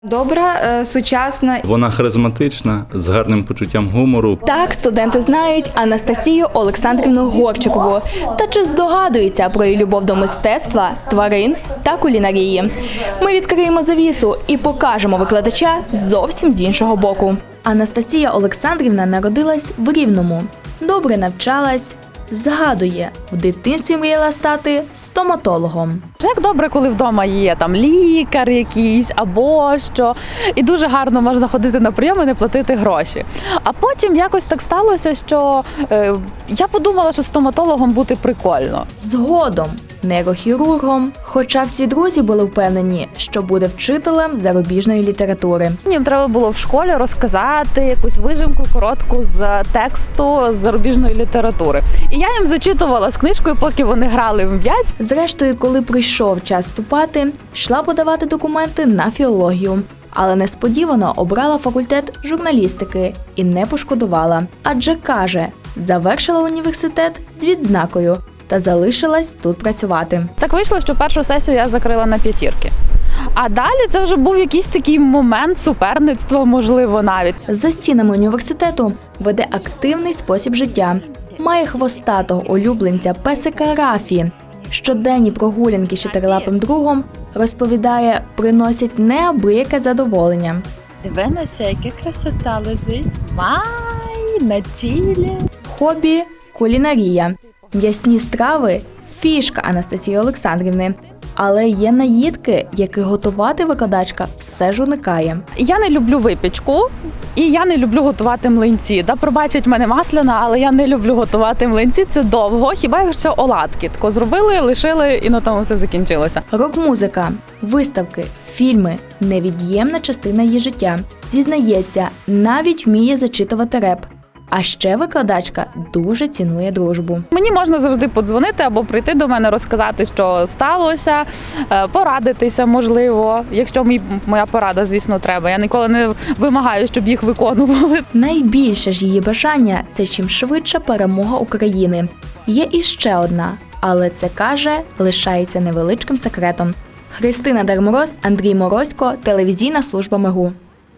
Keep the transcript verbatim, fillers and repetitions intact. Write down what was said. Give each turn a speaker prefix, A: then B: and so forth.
A: Добра, е, сучасна.
B: Вона харизматична, з гарним почуттям гумору.
C: Так, студенти знають Анастасію Олександрівну Горчикову. Та чи здогадуються про її любов до мистецтва, тварин та кулінарії? Ми відкриємо завісу і покажемо викладача зовсім з іншого боку. Анастасія Олександрівна народилась в Рівному. Добре навчалась. Згадує, в дитинстві мріяла стати стоматологом.
D: Як добре, коли вдома є там лікар якийсь або що, і дуже гарно можна ходити на прийом і не платити гроші. А потім якось так сталося, що е, я подумала, що стоматологом бути прикольно.
C: Згодом нейрохірургом, хоча всі друзі були впевнені, що буде вчителем зарубіжної літератури.
D: Їм треба було в школі розказати якусь вижимку коротку з тексту з зарубіжної літератури. І я їм зачитувала з книжкою, поки вони грали в м'яч.
C: Зрештою, коли прийшов час вступати, йшла подавати документи на філологію. Але несподівано обрала факультет журналістики і не пошкодувала. Адже, каже, завершила університет з відзнакою та залишилась тут працювати.
D: Так вийшло, що першу сесію я закрила на п'ятірки. А далі це вже був якийсь такий момент суперництва, можливо, навіть.
C: За стінами університету веде активний спосіб життя. Має хвостатого улюбленця песика Рафі. Щоденні прогулянки з чотирилапим другом, розповідає, приносять неабияке задоволення.
D: Дивилася, яка красота лежить. Май, на чілі.
C: Хобі – кулінарія. М'ясні страви – фішка Анастасії Олександрівни. Але є наїдки, які готувати викладачка все ж уникає.
D: Я не люблю випічку, і я не люблю готувати млинці. Да, пробачить мене масляна, але я не люблю готувати млинці, це довго. Хіба якщо оладки тако зробили, лишили і на тому все закінчилося.
C: Рок-музика, виставки, фільми – невід'ємна частина її життя. Зізнається, навіть вміє зачитувати реп. А ще викладачка дуже цінує дружбу.
D: Мені можна завжди подзвонити або прийти до мене, розказати, що сталося, порадитися, можливо, якщо мій, моя порада, звісно, треба. Я ніколи не вимагаю, щоб їх виконували.
C: Найбільше ж її бажання – це чим швидше перемога України. Є іще одна, але це, каже, лишається невеличким секретом. Христина Дармороз, Андрій Морозько, телевізійна служба МЕГУ.